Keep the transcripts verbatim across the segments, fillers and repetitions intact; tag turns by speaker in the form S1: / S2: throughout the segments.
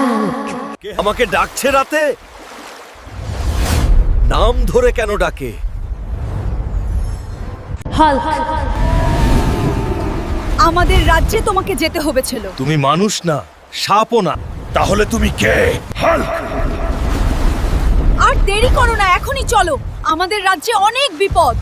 S1: Hulk.
S2: কে আমাকে ডাকছে রাতে? নাম ধরে কেন ডাকে?
S1: হাল্ক।
S3: আমাদের রাজ্যে তোমাকে যেতে হবে ছিল।
S2: তুমি মানুষ না, সাপও না। তাহলে তুমি কে? হাল্ক!
S3: আর দেরি করো না, এখনই চলো। আমাদের রাজ্যে অনেক বিপদ।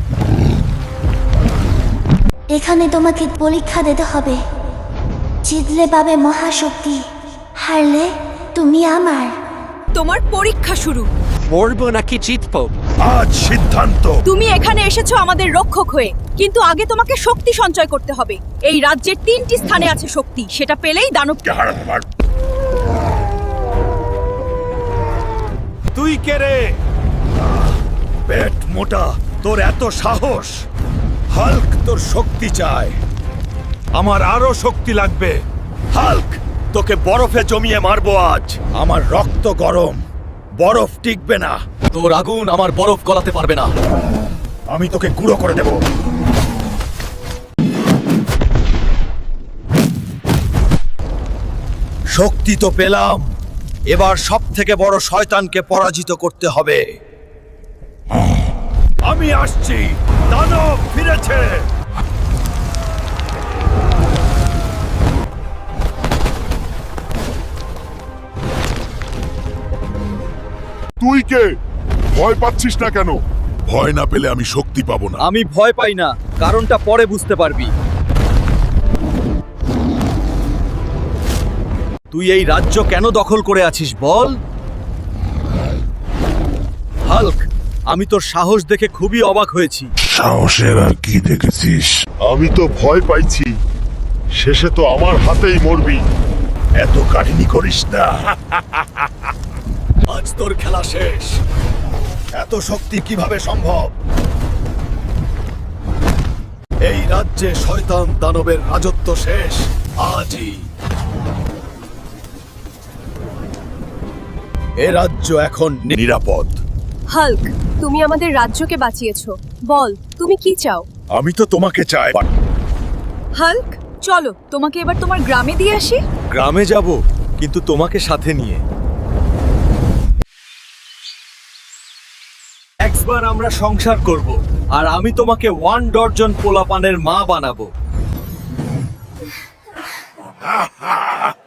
S4: এখানে তোমাকে পরীক্ষা দিতে হবে। জিতলে পাবে মহাশক্তি, হারলে তুমি আমার।
S3: তোমার পরীক্ষা শুরু।
S5: মরবো নাকি জিতবো?
S2: আজ সিদ্ধান্ত।
S3: তুমি এখানে এসেছো আমাদের রক্ষক হয়ে, কিন্তু আগে তোমাকে শক্তি সঞ্চয় করতে হবে। এই রাজ্যের তিনটি স্থানে আছে শক্তি, সেটা পেলেই দানবকে হারাতে পারবে।
S2: তুই কে রে? পেট মোটা, তোর এত সাহস? হাল্ক তোর শক্তি চায়, আমার আরো শক্তি লাগবে। হাল্ক, তোকে বরফে জমিয়ে মারবো আজ। আমার রক্ত গরম, বরফ টিকবে না।
S5: তোর আগুন আমার বরফ গলাতে পারবে না।
S2: আমি তোকে গুঁড়ো করে দেব। শক্তি তো পেলাম, এবার সব থেকে বড় শয়তানকে পরাজিত করতে হবে। আমি আসছি, দানব ফিরেছে।
S6: তুই কে? ভয় পাচ্ছিস না কেন? ভয় না পেলে আমি শক্তি পাবো না।
S2: আমি ভয় পাই না, কারণটা পরে বুঝতে পারবি। তুই এই রাজ্য কেন দখল করে আছিস বল? হাল্ক, আমি তোর সাহস দেখে খুবই অবাক হয়েছি।
S6: সাহসের আর কি দেখেছিস? আমি তো ভয় পাইছি, শেষে তো আমার হাতেই মরবি।
S2: এত কাহিনী করিস না। আজ তোর খেলা শেষ। এত শক্তি কিভাবে সম্ভব? এই রাজ্যে শয়তান দানবের রাজত্ব শেষ আজই। এ রাজ্য এখন নিরাপদ।
S3: হাল্ক, তুমি আমাদের রাজ্যকে বাঁচিয়েছো। বল, তুমি কি চাও?
S2: আমি তো তোমাকে চাই।
S3: হাল্ক, চলো তোমাকে এবার তোমার গ্রামে দিয়ে আসি।
S2: গ্রামে যাব, কিন্তু তোমাকে সাথে নিয়ে। একবার আমরা সংসার করব, আর আমি তোমাকে ওয়ান ডর্জন পোলাপানের মা বানাবো।